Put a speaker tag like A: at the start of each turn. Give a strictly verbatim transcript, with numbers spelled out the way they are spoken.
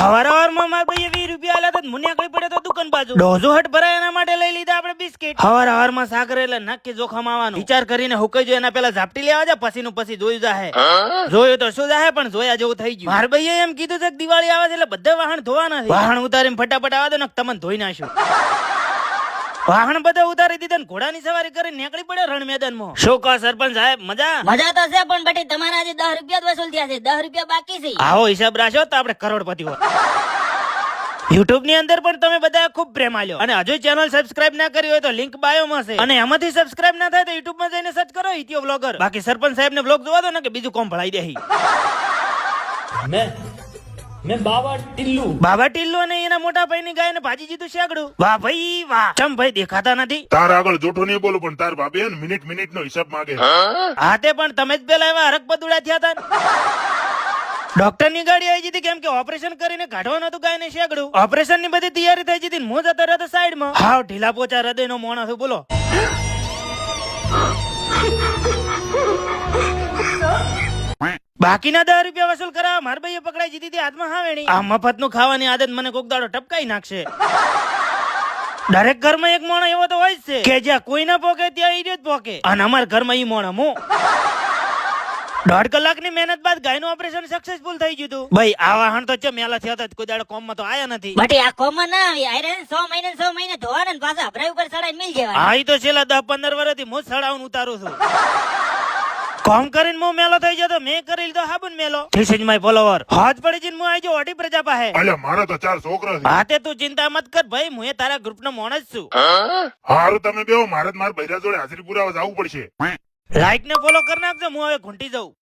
A: હવાર હવારમાં મારા ભાઈએ વીસ રૂપિયા આલ્યા તો મને આકડી પડે તો દુકાન બાજુ દોઢસો હટ ભરાય એના માટે લઈ લીધા આપણે બિસ્કિટ. હવાર હવારમાં સાકર એટલે નક્કી જોખમ આવવાનું વિચાર કરીને હુકાઈ જો એના પેલા ઝાપટી લેવા જા પછી નું પછી જોયું જાહે. જોયું તો શું જાહે પણ જોયા જેવું થઈ ગયું. મારા ભાઈએ એમ કીધું છે કે દિવાળી આવે છે એટલે બધા વાહન ધોવાના છે. વાહન ઉતારીને ફટાફટ આવા દો ને તમને ધોઈ નાખ્યું. વાહન બધા ઉતારી દીધા ને ઘોડાની સવારી કરીને નીકળી પડે રણ મેદાનમાં. શું કહો સરપંચ સાહેબ મજા?
B: મજા તો છે પણ બટી તમારા આજે દસ રૂપિયા જ વસૂલ થયા છે, દસ રૂપિયા બાકી છે.
A: આવો હિસાબ રાખો તો આપણે કરોડપતિ હોય. યુટ્યુબ ની અંદર પણ તમે બધા ખૂબ પ્રેમ આલ્યો અને હજુ ચેનલ સબસ્ક્રાઇબ ના કરી હોય તો લિંક બાયો માં છે અને એમાંથી સબસ્ક્રાઇબ ના થાય તો યુટ્યુબ માં જઈને સર્ચ કરો ઇતિયો બ્લોગર. બાકી સરપંચ સાહેબ ને બ્લોગ જોવા દો ને કે બીજું કોમ ભળાઈ દે.
C: મેં મેં બાબા ટિલ્લુ
A: બાબા ટિલ્લુ અને એના મોટા ભાઈ ની ગાય ને ભાજી જીતું શેગડું. વાહ ભાઈ વાહ. ચમ ભાઈ દેખાતા નથી?
D: તાર આગળ જોઠો નહીં બોલું પણ તાર ભાભી હે ને મિનિટ મિનિટ નો હિસાબ માંગે.
A: હા તે પણ તમે જ પેલા એવા હરક બદુડા થયા હતા. ડોક્ટર ની ગાડી આવી જતી કેમ કે ઓપરેશન કરીને કાઢવાનું હતું ગાય ને શેગડું. ઓપરેશન ની બધી તૈયારી થઈ જતી મો જતો રહ્યો સાઈડ માં. હાવ ઢીલા પોચા હૃદય નો મોણસ બોલો. બાકીના દસ રૂપિયા વસૂલ કરાવવા મારા ભાઈએ પકડાઈ જીતી હતી હાથમાં હાવેણી. આ મફત નું ખાવાની આદત મને કોક દાડો ટપકાઈ નાખશે. દરેક ઘરમાં એક મોણો એવો તો હોય જ છે કે જ્યાં કોઈ ના પોકે ત્યાં ઈ જ પોકે અને અમારા ઘરમાં ઈ મોણો હું. દોઢ કલાકની મહેનત બાદ ગાયનું ઓપરેશન સક્સેસફુલ થઈ ગયું હતું. ભાઈ આ વાહન તો મેલા થયા હતા કોઈ દાડો કોમમાં તો આયા નથી.
B: બટી આ કોમમાં ના આવી આયરે સો મહિને સો મહિને ધોવાના ને પાછા અભરાઈ ઉપર ચડાઈને મિલ જવાના.
A: હા ઈ તો છેલ્લા દસ પંદર વર્ષથી હું સડાውን ઉતારું છું. કોમ કરીને હું મેલો થઈ જતો મેં કરી લીધો હાબુન મેલો. This is my follower. હાથ પડી જઈને હું આવી જો ઓડી પ્રજા પાસે.
D: અલ્યા મારા તો ચાર છોકરા છે.
A: હા તે તું ચિંતા મત કર ભાઈ હું એ તારા ગ્રુપ નો મોણ જ છું.
D: હારું તમે બેહો મારે જ મારા ભૈરા જોડે હાજરી પુરાવા જવું પડશે.
A: લાઈક ને ફોલો કરી નાખજો હું હવે ઘૂંટી જાઉં.